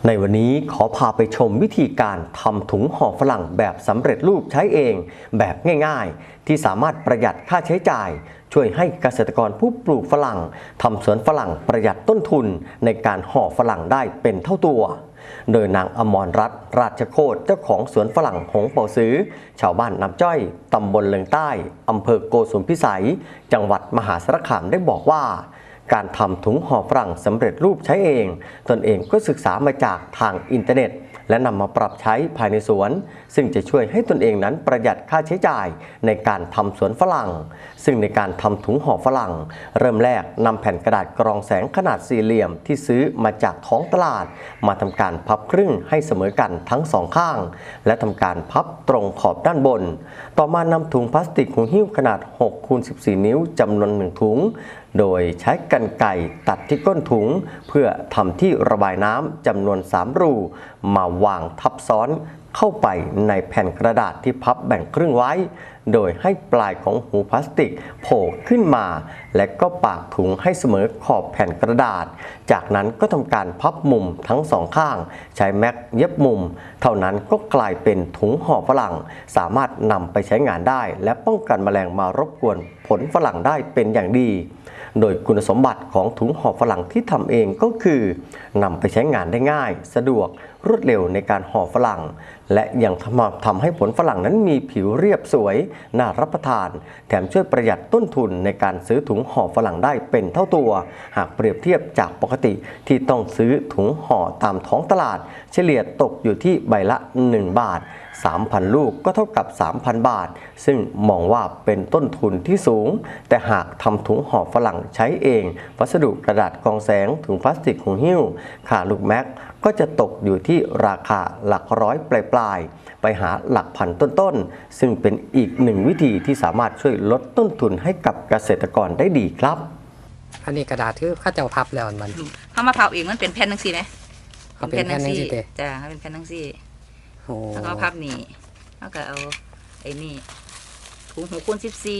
ในวันนี้ขอพาไปชมวิธีการทำถุงห่อฝรั่งแบบสำเร็จรูปใช้เองแบบง่ายๆที่สามารถประหยัดค่าใช้จ่ายช่วยให้เกษตรกรผู้ปลูกฝรั่งทำสวนฝรั่งประหยัดต้นทุนในการห่อฝรั่งได้เป็นเท่าตัวโดยนางอมรรัตน์ราชโคตรเจ้าของสวนฝรั่งหงเป่าซื้อชาวบ้านน้ำจ้อยตำบลเลิงใต้อำเภอโกสุมพิสัยจังหวัดมหาสารคามได้บอกว่าการทำถุงห่อฝรั่งสำเร็จรูปใช้เองตนเองก็ศึกษามาจากทางอินเทอร์เน็ตและนำมาปรับใช้ภายในสวนซึ่งจะช่วยให้ตนเองนั้นประหยัดค่าใช้จ่ายในการทำสวนฝรั่งซึ่งในการทำถุงห่อฝรั่งเริ่มแรกนำแผ่นกระดาษกรองแสงขนาดสี่เหลี่ยมที่ซื้อมาจากท้องตลาดมาทำการพับครึ่งให้เสมอกันทั้งสองข้างและทำการพับตรงขอบด้านบนต่อมานำถุงพลาสติกหูหิ้วขนาด6 คูณ 14 นิ้วจำนวน1ถุงโดยใช้กรรไกรตัดที่ก้นถุงเพื่อทำที่ระบายน้ำจำนวน3รูมาวางทับซ้อนเข้าไปในแผ่นกระดาษที่พับแบ่งครึ่งไว้โดยให้ปลายของหูพลาสติกโผล่ขึ้นมาและก็ปากถุงให้เสมอขอบแผ่นกระดาษจากนั้นก็ทำการพับมุมทั้งสองข้างใช้แม็กเย็บมุมเท่านั้นก็กลายเป็นถุงห่อฝรั่งสามารถนำไปใช้งานได้และป้องกันแมลงมารบกวนผลฝรั่งได้เป็นอย่างดีโดยคุณสมบัติของถุงห่อฝรั่งที่ทำเองก็คือนำไปใช้งานได้ง่ายสะดวกรวดเร็วในการห่อฝรั่งและยังทำให้ผลฝรั่งนั้นมีผิวเรียบสวยน่ารับประทานแถมช่วยประหยัดต้นทุนในการซื้อถุงห่อฝรั่งได้เป็นเท่าตัวหากเปรียบเทียบจากปกติที่ต้องซื้อถุงห่อตามท้องตลาดเฉลี่ยตกอยู่ที่ใบละ1 บาท3,000 ลูกก็เท่ากับ 3,000 บาทซึ่งมองว่าเป็นต้นทุนที่สูงแต่หากทำถุงห่อฝรั่งใช้เองวัสดุกระดาษกรองแสงถุงพลาสติกหูหิ้วค่าลูกแม็กก็จะตกอยู่ที่ราคาหลักร้อยปลายๆไปหาหลักพันต้นๆซึ่งเป็นอีกหนึ่งวิธีที่สามารถช่วยลดต้นทุนให้กับเกษตรกรได้ดีครับอันนี้กระดาษที่ข้าเจ้าพับแล้วมันเขามาพับเองมันเป็นแผ่นทั้งสี่ไหมเป็นแผ่นทั้งสี่จ้าเป็นแผ่นทั้งสี่แล้วก็พับนี่แล้วก็เอาไอ้นี่ถุง6 คูณ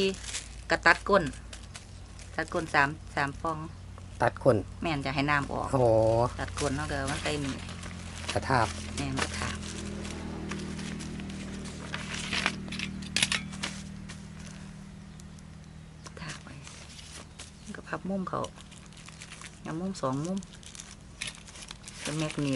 14กระตัดก้น3 ฟองตัดก้นแม่นจะให้น้ำออกตัดก้นแล้วก็มันใส่นี่กระทาบแม่นกระทาบไว้ก็พับมุมเขาอย่างมุม2 มุมเป็นแมกนีต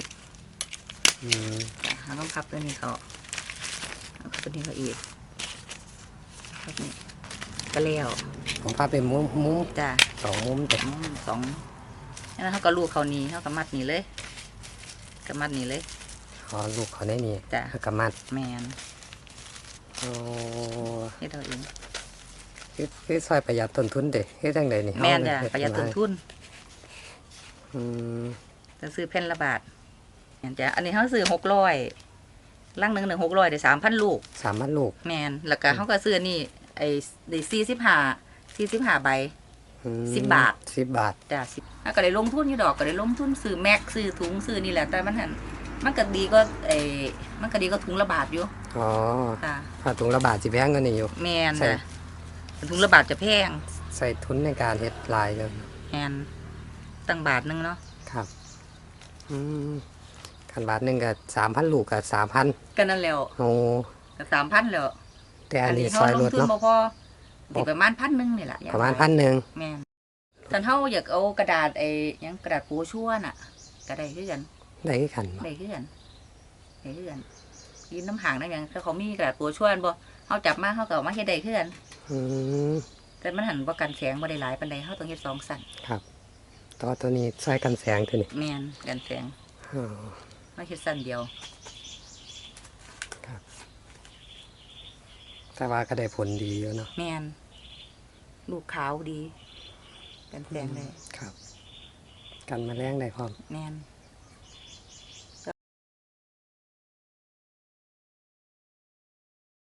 เราต้องพับตัวนี้เขาพับตัวนี้เขาอีกพับนี่ก็แล้วผมพับเป็นมุมจ้า 2 มุมแต่มุม2แล้วเขาก็ลูกเขานี้เขาก็มัดนี่เลยก็มัดนี่เลยลูกเขาได้นี่จ้าก็มัดแมนให้เราเองคือซอยประหยัดต้นทุนเด็กคือจังใดนี่แมนจ้ะประหยัดต้นทุนจะซื้อแผ่นละบาทจ้ะอันนี้เขาซื้อ600ลังหนึ่ง600ได้3,000 ลูก 3,000 ลูกแมนแล้วก็เขาก็ซื้อนี่ไอ้ได้45ใบ10 บาทจ้ะ10แล้วก็ได้ลงทุนอยู่ดอกก็ได้ลงทุนซื้อแม็กซื้อถุงซื้อนี่แหละแต่มันก็ดีก็มันก็ดีก็ถุงละบาทอยู่ถ้าถุงละบาทสิแพงกว่านี้อยู่แมนจ้ะถุงละบาทจะแพงใส่ทุนในการเฮ็ดลายเลยแมนตั้งบาทนึงเนาะครับคันบาทนึงก็3,000 ลูกก็3,000 ก็นั่นแล้วก็3,000แล้วแต่อันนี้ซอยรถเนาะพอสิประมาณ1,000นี่แหละประมาณ1,000 แม่นท่านเฮาอยากเอากระดาษยังกระดาษโปชั่วน่ะก็ได้คือกันได้คือกันยินน้ำห่างได้ยังถ้าเขามีกระดาษโปชั่วบ่เฮาจับมาเฮาก็เอามาเฮ็ดได้คือกันแต่มันหันบ่กันแสงบ่ได้หลายปานใดเฮาต้องเฮ็ด2 สั้นครับตัวนี้ใช้กันแสงตัวนี้แม่นกันแสงมาเฮ็ดสั้นเดียวครับแต่ว่าก็ได้ผลดีอยู่เนาะแม่นลูกขาวดีกันแสงเลยครับกันแมลงได้พร้อมแม่น